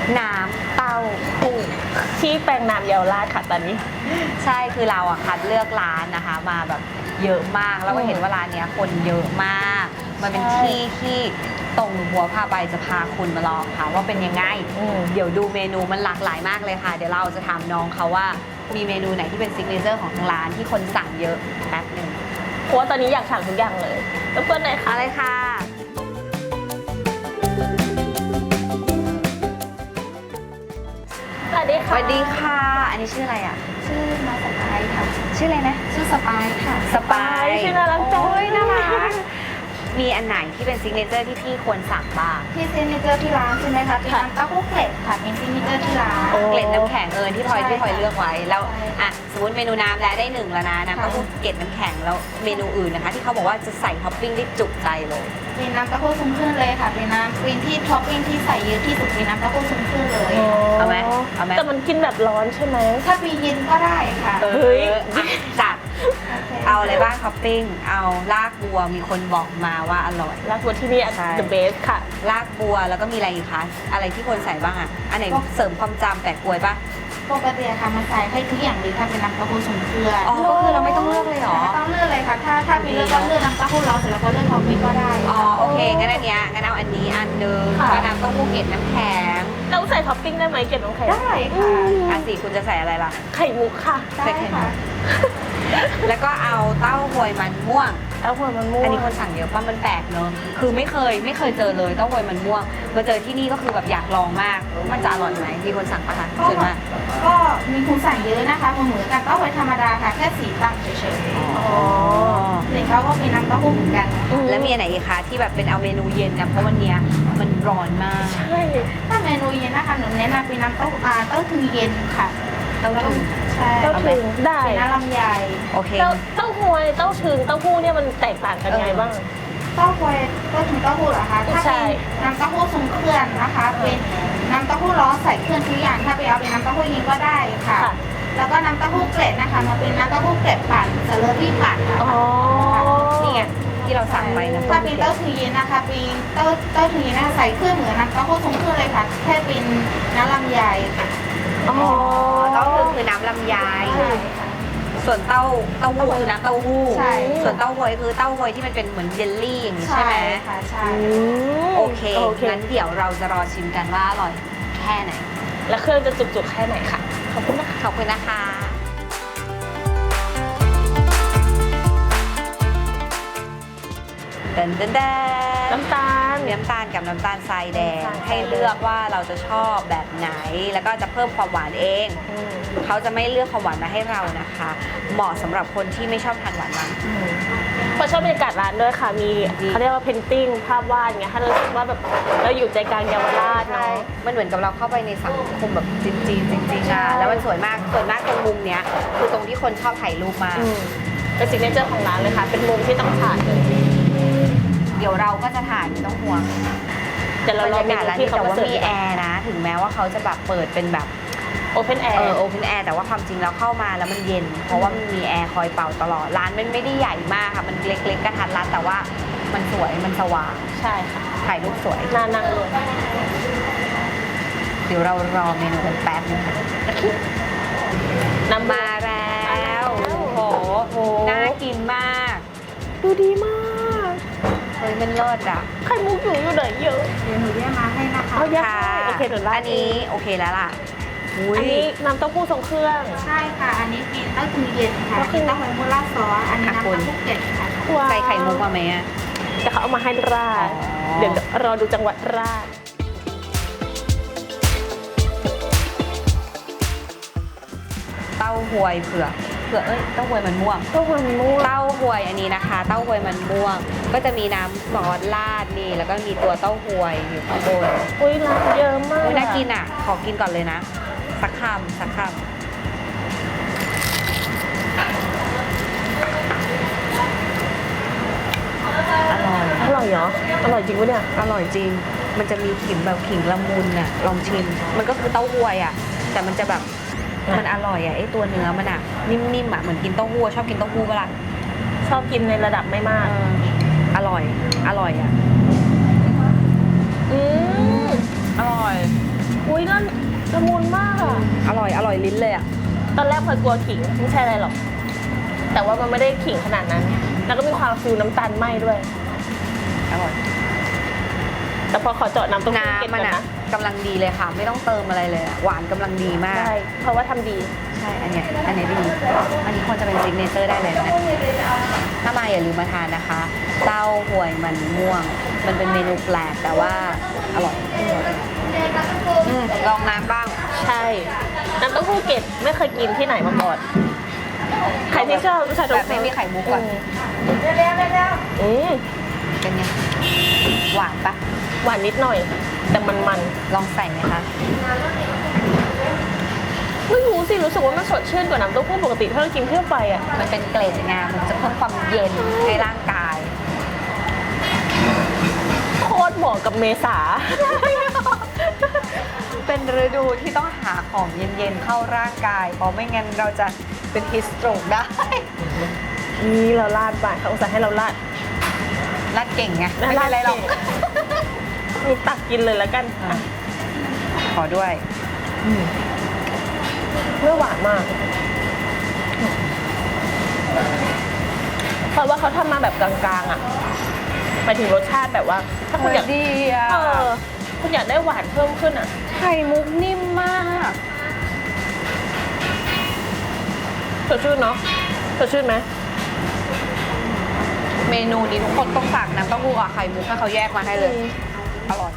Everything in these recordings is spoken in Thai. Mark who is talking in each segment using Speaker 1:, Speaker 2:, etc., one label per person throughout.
Speaker 1: น้ำเต้าหู้
Speaker 2: ที่แปลงนามเยาวราชค่ะตอนนี้
Speaker 1: ใช่คือเราอะคัดเลือกร้านนะคะมาแบบเยอะมากแล้วก็เห็นว่าร้านเนี้ยคนเยอะมากมันเป็นที่ที่ตรงหัวผ้าใบจะพาคุณมาลองค่ะว่าเป็นยังไงเดี๋ยวดูเมนูมันหลากหลายมากเลยค่ะเดี๋ยวเราจะถามน้องเขาว่ามีเมนูไหนที่เป็นซิกเนเจอร์ของทางร้านที่คนสั่งเยอะแป๊บหนึ่ง
Speaker 2: เพราะว่าตอนนี้อยากสั่งทุกอย่างเลยรบกวนหน่อยค่ะ
Speaker 1: อะไรค่ะ
Speaker 2: สวัสดี
Speaker 1: ส
Speaker 2: ค่ะ
Speaker 1: วัสดีค่ะอันนี้ชื่ออะไรอะ
Speaker 3: ชื่อมาสปายค่ะ
Speaker 1: ชื่ออะไรนะ
Speaker 3: ชื่อสปายค่ะ
Speaker 1: สปาย
Speaker 2: ชื่อน่ารักจัง
Speaker 1: โอ้ยน่ารักมีอันไหนที่เป็นซิกเนเจอร์ที่พี่ควรสั่งบ้าง
Speaker 3: ที่ซิกเนเจอร์ที่ร้านใช่ไหมคะเป็นน้ำเต้าหู้เกล็ดค่ะเป็นซิกเนเจอร์ที่ร้าน
Speaker 1: เกล็ดน้ำแข็งที่พลอย
Speaker 3: ใช่
Speaker 1: ที่พลอยเลือกไว้แล้ว
Speaker 3: ใช่
Speaker 1: อ่ะสมมติเมนูน้ำได้หนึ่งแล้วนะน้ำเต้าหู้เกล็ดน้ำแข็งแล้วเมนูอื่นนะคะที่เขาบอกว่าจะใส่ท็อปปิ้งได้จุใจเลย
Speaker 3: เป็นน้ำเต้าหู้ซุ้มขึ้นเลยค่ะเป็นน้ำเป็นที่ท็อปปิ้งที่ใส่เยอะที่สุดเป็นน้ำเต้าหู้ซุ้มขึ้นเลย
Speaker 1: เอาไหมเอาไหม
Speaker 2: แต่มันกินแบบร้อนใช่ไหม
Speaker 3: ถ้ามีเย็นก็ได้ค่ะ
Speaker 2: เฮ้ย
Speaker 1: อ่ะจัด
Speaker 3: โค
Speaker 1: เอาอะไรบ้างท็อปปิ้งเอาลากบัวมีคนบอกมาว่าอร่อย
Speaker 2: รักวัวที่นี่
Speaker 1: ใช่
Speaker 2: the best ค่ะ
Speaker 1: ลากบัวแล้วก็มีอะไรอีกคะอะไรที่ควรใส่บ้างอ่ะอันไหนเสริมความจำแปะกล้วยปะ
Speaker 3: ปกติค่ะมันใส่ให้ทุกอย่างเลยค่ะเป็นน้ำเต้าหู้ซุ้มเครื่อง
Speaker 1: อ๋อก็คือเราไม่ต้องเลือกเลยเหรอ
Speaker 3: ไม่ต้องเลือกเลยค่ะถ้ามีเลือกก็เลือกน้ำเต้าหู้ร้อนเสร็จแล้วก็เลือกท็อปปิ้งก็ได้
Speaker 1: อ๋อโอเคงั้นอันเนี้ยงั้นเอาอันนี้อันหนึง
Speaker 2: ค่ะ
Speaker 1: ก็น้ำเต้าหู้เกล็ดน้ำแข็ง
Speaker 2: เราใส่ท็อปปิ้งได้ไหมเก็บน้ำแข็ง
Speaker 3: ได้ค่ะ
Speaker 1: อันสี่คุณจะใส่อะไรล่ะ
Speaker 2: ไข่มุกค่ะ
Speaker 3: ได้ค่ะ
Speaker 1: แล้วก็เอาเต้าหวยมันม่วง
Speaker 2: แล้วหัวมันม่วง
Speaker 1: อันนี้คนสั่งเยอะป่ะมันแปลกเนอะคือไม่เคยเจอเลยเต้าหวยมันม่วงมาเจอที่นี่ก็คือแบบอยากลองมาก มันจะอร่อยไหมมีคนสั่งปะคะส่วนมาก
Speaker 3: ก็มีคุณสั่งเยอะนะคะเหมือนกันเต้าหู้ธรรมดาค่ะแค่สีต่างเฉย
Speaker 2: อ๋อ
Speaker 3: ๆเลยเขาก็มีน้ำเต้าหู้เหมือนกัน
Speaker 1: แล้วมีอันไหนอีกคะที่แบบเป็นเอาเมนูเย็นนะเพราะวันเนี้ยมันร้อนมาก
Speaker 2: ใช่
Speaker 3: ถ้าเมนูเย็นนะคะหนูแนะนำเป็นน้ำเต้าถึงเย็นค่ะ
Speaker 1: เต้าถึง
Speaker 3: ใช่
Speaker 2: เต้าถึงได้
Speaker 3: เป็นน้ำลำไย
Speaker 1: โอเค
Speaker 2: เต้าหวยเต้าถึงเต้าหู้เนี่ยมันแตกต่างกันไงบ้าง
Speaker 3: เต้าหวยเต้าถึงเต้าหู้เหรอคะถ้า
Speaker 2: ใช่
Speaker 3: เป็นน้ำเต้าหู้ทรงเครื่องนะคะเป็นน้ำเต้าหู้ร้อนใส่เครื่องทุกอย่างถ้าไปเอาเป็นน้ำเต้าหู้เย็นก็ได้ค่ะ
Speaker 2: ค่ะ
Speaker 3: แล้วก็น้ำเต้าหู้เกล็ดนะคะมันเป็นน้ำเต้าหู้เกล็ดปั่นสเลอรี่ปั่นค่ะ
Speaker 2: อ๋อ
Speaker 1: นี่ไงที่เราสั่งไปนะ
Speaker 3: ถ้าเป็นเต้าถึงเย็นนะคะเป็นเต้าถึงเย็นนะคะใส่เครื่องเหมือนน้ำเต้าหู้ทรงเครื่องเลยค่ะแค่เป็นน้ำลำไยค่ะ
Speaker 2: อ๋อ
Speaker 1: เต้าถึงคือน้ำลำไย
Speaker 3: ใช่ค่ะ
Speaker 1: ส่วนเต้าหู้คือน้ำเต้าหู้
Speaker 3: ใช่
Speaker 1: ส่วนเต้าหวยคือเต้าหวยที่มันเป็นเหมือนเยลลี่อย่างนี้ใช่ไหม
Speaker 3: ค่ะใช่
Speaker 1: โอเคงั้นเดี๋ยวเราจะรอชิมกันว่าอร่อยแค่ไหน
Speaker 2: แล้วเครื่องจะจุกๆแค่ไหนค่ะ ขอบคุณนะคะ
Speaker 1: ขอบคุณนะคะเดินเดินเดิน
Speaker 2: น้ำตาล
Speaker 1: มีน้ำตาลกับน้ำตาลทรายแดง
Speaker 2: น้ำตาลทรายแดง
Speaker 1: ให้เลือกว่าเราจะชอบแบบไหน แล้วก็จะเพิ่มความหวานเอง เขาจะไม่เลือกความหวานมาให้เรานะคะ เหมาะสำหรับคนที่ไม่ชอบทานหวานมาก
Speaker 2: พอชอบบรรยากาศร้านด้วยค่ะ มีเขาเรียกว่าเพนติ้งภาพวาดอย่างเงี้ยถ้าเรารู้สึกว่าแบบเราอยู่ใจกลางเยาวราชเนาะ
Speaker 1: มันเหมือนกับเราเข้าไปในสังคมแบบจีนๆจริงๆอะแล้วมันสวยมากตรงมุมเนี้ยคือตรงที่คนชอบถ่ายรูปมาก
Speaker 2: เป็นซิกเนเจอร์ของร้านเลยค่ะ เป็นมุมที่ต้องถ่ายเลย
Speaker 1: เดี๋ยวเราก็จะถ่ายไม่ต้องห่วง
Speaker 2: เดี๋ยวเรา
Speaker 1: บรร
Speaker 2: รอย
Speaker 1: ากาศ
Speaker 2: เมนู
Speaker 1: ร้าน
Speaker 2: ที่
Speaker 1: นี้
Speaker 2: เขา
Speaker 1: แต่
Speaker 2: มา
Speaker 1: ว่า
Speaker 2: เสิร์ฟ
Speaker 1: มีแอร์นะ ถึงแม้ว่าเขาจะแบบเปิดเป็นแบบ
Speaker 2: โอเพนแอร์
Speaker 1: โอเพนแอร์แต่ว่าความจริงแล้วเข้ามาแล้วมันเย็น เพราะว่ามันมีแอร์คอยเป่าตลอดร้านมันไม่ได้ใหญ่มากค่ะมันเล็กๆกระทัดรัดแต่ว่ามันสวยมันสว่าง
Speaker 2: ใช่ค่ะ
Speaker 1: ถ่ายรูปสวย
Speaker 2: น่านั่งเลย
Speaker 1: เดี๋ยวเรารอเมนูกันแป๊บนึงค่ะ
Speaker 2: น้ำ
Speaker 1: มาแล้วโอ้โห
Speaker 2: โอ้โห
Speaker 1: น่ากินมาก
Speaker 2: ดูดีมาก
Speaker 1: เฮ้ยมันเลิศอ่ะ
Speaker 2: ไข่มุกอยู่ไหนเยอะ
Speaker 3: เดี๋ยวหนูเรียกมาให้นะคะ
Speaker 2: เอายัก
Speaker 1: ค่ะ
Speaker 2: ษ์โอเคเดี๋ยวราด
Speaker 1: อันนี้โอเคแล้วล่ะอุ๊ย
Speaker 2: อันนี้น้ำเต้าหู้ทรงเครื่อง
Speaker 3: ใช่ค่ะ อันนี้เป็นเต้าถึงเย็นค่ะ
Speaker 2: ก็คือ
Speaker 3: เป็นเต้าหอยมูล่าซอสอันนี้น้ำเต้าหู้เกล็ดค่ะ
Speaker 2: ว้าว
Speaker 1: ใส่ไข่มุกมาไหมอะ
Speaker 2: แต่เขาเอามาให้ราด
Speaker 1: อ๋อ
Speaker 2: เดี๋ยวรอดูจังหวัดราด
Speaker 1: เต้าหวยเผือกเต้าหวยมันม่วง
Speaker 2: เต้าหู้มันม่วง
Speaker 1: เต้าหวยอันนี้นะคะ เต้าหวยมันม่วง ก็จะมีน้ำซอสราดนี่แล้วก็มีตัวเต้าหวยอยู่ข้างบน
Speaker 2: อุ้ยร้านเยอะมาก
Speaker 1: โอ้ยน่ากินอ่ะ ขอกินก่อนเลยนะ สักคำอร่อย
Speaker 2: อร่อยเหรอ อร่อยจริงปะเนี่ย
Speaker 1: อร่อยจริง มันจะมีขิงแบบขิงละมุนอ่ะ ลองชิม มันก็คือเต้าหวยอ่ะ แต่มันจะแบบ มันอร่อยอ่ะไอตัวเนื้อมันอ่ะ นิ่มๆอ่ะ เหมือนกินเต้าหู้ชอบกินเต้าหู้เปะล่า
Speaker 2: ชอบกินในระดับไม่มาก
Speaker 1: อร่อยอ่ะ
Speaker 2: อืม
Speaker 1: อร่อย
Speaker 2: อุ้ยเลิศ
Speaker 1: ร่อยลิ้นเลยอ่ะ
Speaker 2: ตอนแรกพลอยกลัวขิงไม่ใช่อะไรหรอก แต่ว่ามันไม่ได้ขิงขนาดนั้น แล้วก็มีความฟิลน้ำตาลไหม้ด้วย
Speaker 1: อร่อย
Speaker 2: แต่พอขอเจาะน้ำต้มยำเก็บ
Speaker 1: น้ำมัน
Speaker 2: ก่อน
Speaker 1: อ่ะ
Speaker 2: นะ
Speaker 1: กำลังดีเลยค่ะ ไม่ต้องเติมอะไรเลยอะหวานกำลังดีมาก
Speaker 2: ใช่เพราะว่าทำดี
Speaker 1: ใช่ อันเนี้ยดี อันนี้ควรจะเป็นซิกเนเจอร์ได้เลยนะถ้ามาอย่าลืมมาทานนะคะ เต้าหวยมันม่วง มันเป็นเมนูแปลกแต่ว่าอร่อยลองน้ำบ้าง
Speaker 2: ใช่ น้ำเต้าหู้เกล็ดไม่เคยกินที่ไหนมาก่อน ใครที่ชอบรสชาติ
Speaker 1: แบบไม่มีไข่มุกก่อน
Speaker 2: อืม
Speaker 1: เป็นไง หวานปะ
Speaker 2: หวานนิดหน่อย แต่มัน
Speaker 1: ลองใส่ไหมคะ
Speaker 2: ๆไม่รู้สิ รู้สึกว่ามันสดชื่นกว่าน้ำเต้าหู้ปกติที่เรากินทั่วไปอ่ะ
Speaker 1: มันเป็นเกล็ดงามันจะเพิ่มความเย็นให้ร่างกาย
Speaker 2: โคตรเหมาะกับเมษา
Speaker 1: เป็นฤดูที่ต้องหาของเย็นๆเข้าร่างกาย เพราะไม่งั้นเราจะเป็นฮิสโตรกได้
Speaker 2: นี่เราลาดไปเขาอุตส่าห์ให้เราลาด
Speaker 1: รัดเก่งไง ไม่เป็นไรหรอก
Speaker 2: มีตักกินเลยแล้วกัน
Speaker 1: อ่ะ ขอด้วย
Speaker 2: ไม่หวานมาก เพราะว่าเขาทำมาแบบกลางๆอ่ะหมายถึงรสชาติแบบว่า ถ้าคุณอยาก
Speaker 1: ดีอ่ะ
Speaker 2: คุณอยากได้หวานเพิ่มขึ้นอ่ะ
Speaker 1: ไข่มุกนิ่มมาก
Speaker 2: สดชื่นเนาะสดชื่นไหม
Speaker 1: เมนูนี้ทุกคนต้องสั่งน้ำเต้าหู้กับไข่มุกให้เขาแยกมาให้เลย อร่อย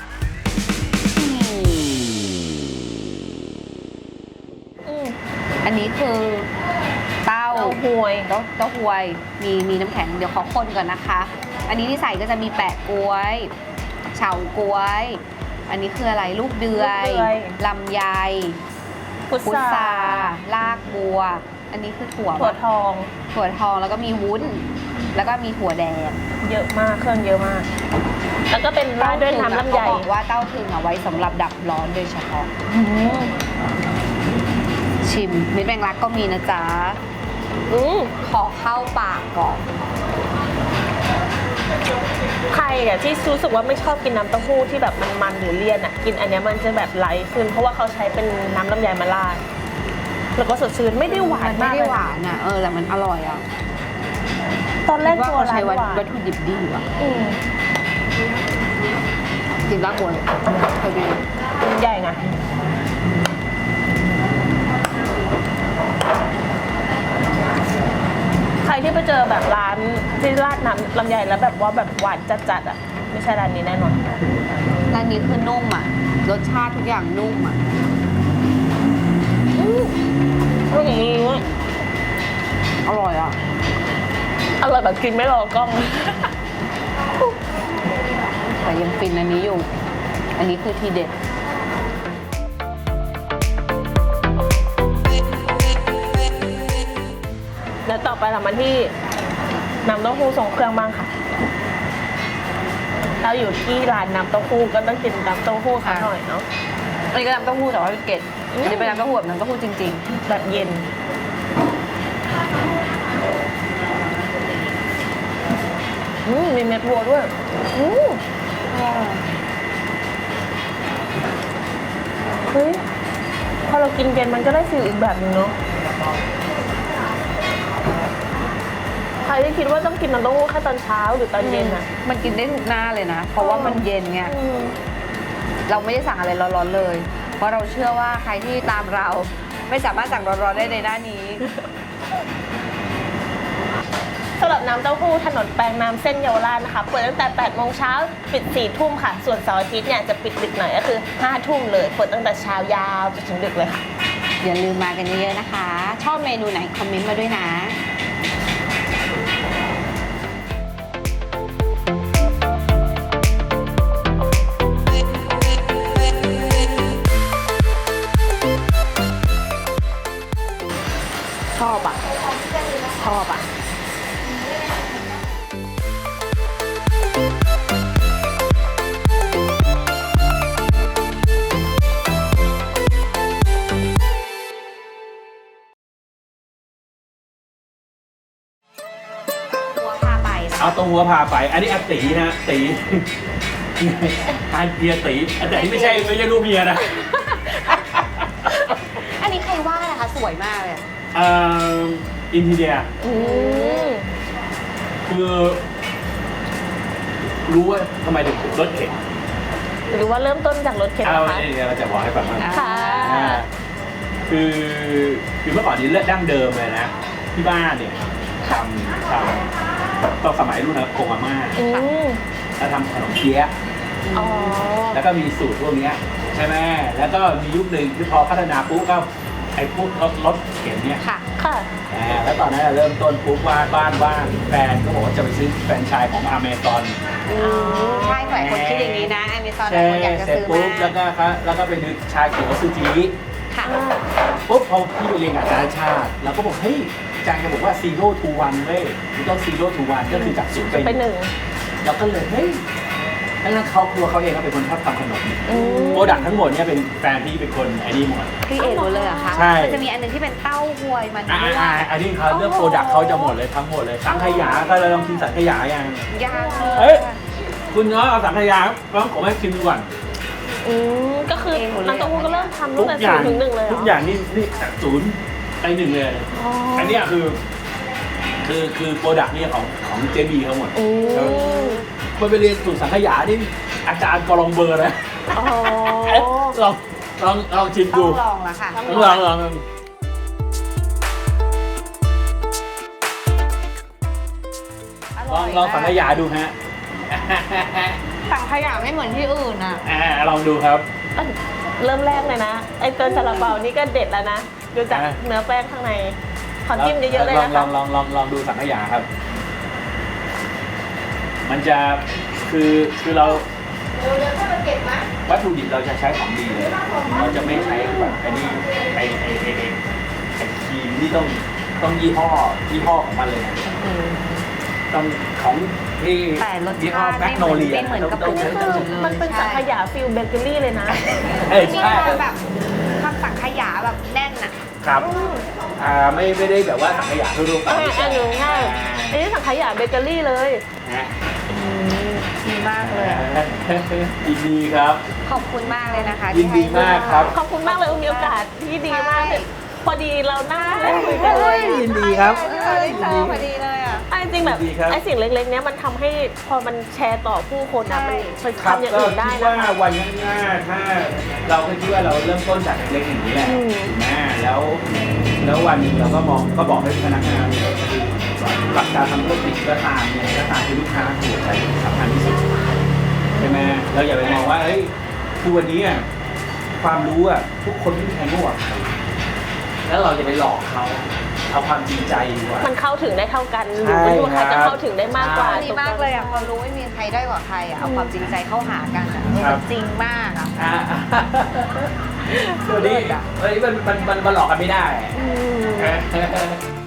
Speaker 1: อันนี้คือเต้า
Speaker 2: เต้าหวย
Speaker 1: เต้าหวย มีน้ำแข็งเดี๋ยวขอคนก่อนนะคะ อันนี้ที่ใส่ก็จะมีแปะกล้วย เฉาก๊วย อันนี้คืออะไรลูกเดือยลำไย
Speaker 2: พุท
Speaker 1: พุท
Speaker 2: รา
Speaker 1: ราลากบัว อันนี้คือถั่ว
Speaker 2: ถั่วทอง
Speaker 1: ถั่วทองแล้วก็มีวุ้น แล้วก็มีถั่วแดง
Speaker 2: เยอะมาก เครื่องเยอะมาก แล้วก็เป็นราดด้วยน้ำลำไย
Speaker 1: เขาบอกว่าเต้าถึงเอาไว้สำหรับดับร้อนโดยเฉพาะ
Speaker 2: อืม
Speaker 1: ชิมเม็ดแมงลักก็มีนะจ๊ะ
Speaker 2: อืม
Speaker 1: ขอเข้าปากก่อน
Speaker 2: ใครอ่ะที่รู้สึกว่าไม่ชอบกินน้ำเต้าหู้ที่แบบมันๆหรือเลี่ยนอ่ะ กินอันเนี้ยมันจะแบบไลท์ขึ้น เพราะว่าเขาใช้เป็นน้ำลำไยมาราดแล้วก็สดชื่นไม่ได้หวาน
Speaker 1: ไม่
Speaker 2: มาก
Speaker 1: ได้
Speaker 2: เลย
Speaker 1: ห
Speaker 2: นะ
Speaker 1: วานอ่ะ แต่มันอร่อยอ่ะ
Speaker 2: ตอนแรก
Speaker 1: คิดว่า
Speaker 2: ตัว
Speaker 1: เขา
Speaker 2: ร้า
Speaker 1: ใช้
Speaker 2: นหวาน
Speaker 1: วัตถุดิบดีว่ะ
Speaker 2: อืม
Speaker 1: กินรากบัวเลยพอดี
Speaker 2: ใหญ่ไงใครที่ไปเจอแบบร้านที่ราดน้ำลำไยแล้วแบบว่าแบบหวานจัดๆอ่ะ ไม่ใช่ร้านนี้แน่นอน
Speaker 1: ร้านนี้คือนุ่มอ่ะ รสชาติทุกอย่างนุ่มอ่ะ อร่อยอ่ะ
Speaker 2: อร่อยแบบกินไม่รอกล้อง
Speaker 1: แต่ยังฟินอันนี้อยู่ อันนี้คือทีเด็ด
Speaker 2: แล้วต่อไปเรามาที่น้ำเต้าหู้ทรงเครื่องบ้างค่ะ เราอยู่ที่ร้านน้ำเต้าหู้ก็ต้องกินน้ำเต้าหู้สักหน่อยเนาะ
Speaker 1: อันนี้ก็น้ำเต้าหู้แต่ว่าเป็นเกล็ดอันนี้เป็นน้ำเต้าหู้แบบน้ำเต้าหู้จริง
Speaker 2: แบบเย็น มีเม็ดบัวด้วย เฮ้ย พอเรากินเย็นมันก็ได้ฟีลอีกแบบหนึงเนาะ ใครที่คิดว่าต้องกินน้ำเต้าหู้แค่ตอนเช้าหรือตอน
Speaker 1: ๆ
Speaker 2: เย็นอ่ะ
Speaker 1: มันกินได้ทุกหน้าเลยนะ เพราะว่ามันเย็นไง เราไม่ได้สั่งอะไรร้อนๆเลย เพราะเราเชื่อว่าใครที่ตามเราไม่สามารถสั่งร้อนๆได้ในหน้านี้
Speaker 2: สำหรับน้ำเต้าหู้ถนนแปลงน้ำเส้นเยาวราชนะคะ เปิดตั้งแต่ 8 โมงเช้าปิด 4 ทุ่มค่ะ ส่วนเสาร์อาทิตย์เนี่ยจะปิดดึกหน่อยก็คือ 5 ทุ่มเลย เปิดตั้งแต่เช้ายาวจนถึงดึกเลยค่ะ
Speaker 1: อย่าลืมมากันเยอะๆนะคะ ชอบเมนูไหนคอมเมนต์มาด้วยนะ
Speaker 2: ชอบอ่ะ ชอบอ่ะ
Speaker 1: หัวพาไป
Speaker 4: เอาตัวหัวพาไป อันนี้อาตีนะตี การเพียตีแต่นี่ไม่ใช่ลูกเมียนะ
Speaker 1: อันนี้ว่าอะไรคะสวยมากเลยอะ
Speaker 4: อินทีเดีย
Speaker 2: อืม
Speaker 4: คือรู้ว่าทำไมถึงรถเข็น
Speaker 2: หรือว่าเริ่มต้นจากรถเข็น
Speaker 4: เอา
Speaker 2: นะคะ
Speaker 4: เนี่ยเราจะบอกให้ฟังว่า
Speaker 2: ค่ะ
Speaker 4: คือเมื่อก่อนนี้เลือดดั้งเดิมเลยนะ ที่บ้านเนี่ยทำตอนสมัยรุ่นนะโกงอาม่า
Speaker 2: อืม
Speaker 4: แล้วทำขนมเปี๊ยะ
Speaker 2: อ๋อ
Speaker 4: แล้วก็มีสูตรพวกเนี้ยใช่ไหมแล้วก็มียุคหนึ่งที่พอพัฒนาปุ๊บก็ไอ้พวกรถเข็นเนี่ย
Speaker 1: ค่ะ
Speaker 2: ค่ะ
Speaker 4: แล้วตอนนั้นเริ่มต้นปุ๊บว่าบ้านว่างแฟนก็บอกว่าจะไปซื้อแฟรนไชส์ของอเมซอน
Speaker 1: ใช่หลายคนคิดอย่างนี้นะอเมซอนหลา
Speaker 4: ใช่
Speaker 1: ยคนอยากจะ
Speaker 4: เสร็จ
Speaker 1: ซื้อ
Speaker 4: ปุ๊บ
Speaker 1: มา
Speaker 4: แล้วก็ไปนึกชาเขียวซูจิ
Speaker 1: ค่ะ
Speaker 4: ปุ๊บพอพี่ไปเรียนกับอาจารย์ชาติเราก็บอกเฮ้ยอาจารย์แกบอกว่า zero to one เว้ยมันต้อง zero to one ก็คือจากศูนย์
Speaker 2: ไป
Speaker 4: ไป
Speaker 2: หนึ่ง
Speaker 4: เราก็เลยเฮ้ยแล้วเขาครัวเขาเองก็เป็นคนชอบทำขนม
Speaker 2: อืม
Speaker 4: โปรดักต์ทั้งหมดเนี่ยเป็นแฟนพี่เป็นคนไอ้นี่หมด
Speaker 1: พี่เอกหมดเลยเหรอคะ
Speaker 4: ใช่
Speaker 1: มันจะมีอันหนึงที่เป็นเต้าหวยมัน
Speaker 4: อ่า
Speaker 1: ด้วย
Speaker 4: อันนี้เขาเรื่องโปรดักต์เขาจะหมดเลยทั้งหมดเลยสังขยาก็เลยลองกินสังขยายัง
Speaker 1: ยากเล
Speaker 4: เอ้
Speaker 1: ย
Speaker 4: ย คุณน้อยเอาสังขยาต้องผมให้ชิมดูก่อน
Speaker 2: อืมก็คือ
Speaker 1: เองหมดเลย
Speaker 2: น้ำเต้าหู้ก็เริ่มทำตั้
Speaker 4: ทุ
Speaker 2: ง
Speaker 4: ก
Speaker 2: แต่
Speaker 4: อ
Speaker 2: ศู
Speaker 4: ย่าน ง
Speaker 2: ย์ถึงหนึ่งเลยเหรอ
Speaker 4: ทุกอย่างนี่จากศูนย์ไปหนึ่งเลย
Speaker 2: อ๋อ
Speaker 4: อันเนี้ยคือโปรดักต์เนี่ยของเจบีเขาหมด
Speaker 2: อืม
Speaker 4: มันไปเรียนสูตรสังขยานี่อาจารย์กอลองเบอร์นะ
Speaker 2: อ๋อ
Speaker 4: ลองชิม
Speaker 1: ต้
Speaker 4: ดู
Speaker 1: องลองละค่ะ
Speaker 4: ลอง
Speaker 1: อร่อย
Speaker 4: ลองสังขยาดูฮะ
Speaker 1: สังขยาไม่เหมือนที่อื่นอ่ะ
Speaker 4: ลองดูครับ
Speaker 2: เริ่มแรกเลยนะ ไอ้ตัวซาลาเปานี่ก็เด็ดแล้วนะ ดูจาก
Speaker 4: อ่ะ
Speaker 2: เนื้อแป้งข้างใน ขอจิ้มเยอะๆเลยนะคะ
Speaker 4: ลองดูสังขยาครับ มันจะคือเรา
Speaker 3: เดี๋ยวถ้ามันเก็บนะ
Speaker 4: วัตถุดิบเราจะใช้ของดีเลย เราจะไม่ใช้แบบไอ้นี่ไอ้ครีมที่ต้องยี่ห้อของมันเลยนะต้องของที่
Speaker 1: แต่รส
Speaker 4: ยี่ห้อ
Speaker 1: ชาติ
Speaker 4: แมกโนเลีย
Speaker 1: ไม่เหมือนกับ
Speaker 4: ต้องใช้
Speaker 2: นี่คือมันเป็นสังขยาฟิลเบเกอรี่เลยนะ
Speaker 1: มี
Speaker 4: ใช่
Speaker 1: ความแบบความสังขยาแบบแน่นอ่ะ
Speaker 4: ครับไม่ได้แบบว่าสังขยาทั่วๆไป
Speaker 2: อันนี้ง่ายอันนี้สังขยาเบเกอรี่เลย
Speaker 4: นะ
Speaker 1: ดีมากเลยอะ
Speaker 4: ยินดีครับ
Speaker 1: ขอบคุณมากเลยนะคะ
Speaker 4: ยินดีมากครับ
Speaker 2: ขอบคุณมากเลยมีโอกาสที่ดีมากเลยพอดีเรานั่งเล่นคุยกันเลย
Speaker 4: ยินดีครับ
Speaker 1: ได้เจอพอดีเลยอ่ะ
Speaker 2: ไอ้จริงแบบ
Speaker 4: ดีครับ
Speaker 2: ไอ้สิ่งเล็กๆเนี้ยมันทำให้พอมันแชร์ต่อผู้คนนะมันไป
Speaker 4: ครับ
Speaker 2: ทำอย่าง
Speaker 4: ก็
Speaker 2: อื่นได้
Speaker 4: คิด
Speaker 2: นะ
Speaker 4: ว่า
Speaker 2: คะ
Speaker 4: วันข้างหน้าถ้าเราก็คิดว่าเราเริ่มต้นจากเล็กๆอย่างนี้แหละ
Speaker 2: อืม
Speaker 4: ถูกไหมแล้ววันหนึงเราก็ก็บอกให้พนักงานเนี่ยคือหลักการทำธุรกิจก็ตามเนี่ยก็ตามที่ลูกค้าถูกใจสำคัญที่สุดใช่ไหมเราอย่าไปมองว่าเฮ้ยคือวันนี้อะความรู้อะทุกคนไม่มีใครโง่กว่าใครแล้วเราจะไปหลอกเขาเอาความจริงใจดีกว่า
Speaker 2: มันเข้าถึงได้เท่ากันห
Speaker 4: ใช่
Speaker 2: รือว่าใครจะเข้าถึงได้มากกว่า
Speaker 1: ดีมากเลยอ่ะพอรู้ไม่มีใครได้กว่าใครอ่ะเอาความจริงใจเข้าหากันอ่ะ
Speaker 4: ครับ
Speaker 1: มันจริงมากอ่ะ
Speaker 4: วันนี้มันหลอกกันไม่ได้
Speaker 2: อืม